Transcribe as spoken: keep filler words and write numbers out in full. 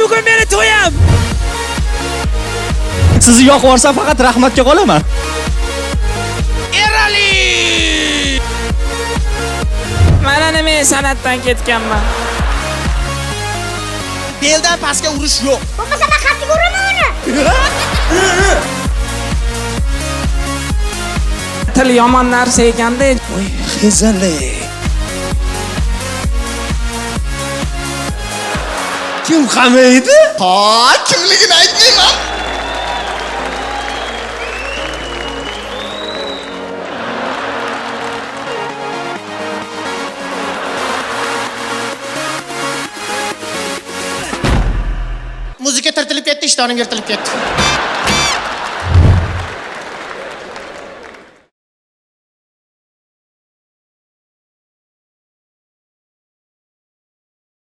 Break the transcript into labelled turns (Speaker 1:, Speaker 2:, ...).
Speaker 1: bugun meni to'yim.
Speaker 2: Sizni yoqib yuborsam faqat rahmatga qolaman.
Speaker 1: Erali!
Speaker 3: Mana nima san'atdan ketganman.
Speaker 1: Beldan pastga urish yo'q.
Speaker 4: Bo'lmasa men qattiq uraman uni.
Speaker 3: Til yomon narsa ekanda.
Speaker 2: Voy, xezali. Kim qamaydi?
Speaker 1: Ha, kimligini aytmayman. Muzika tartilib ketdi, ishtonim yirtilib ketdi.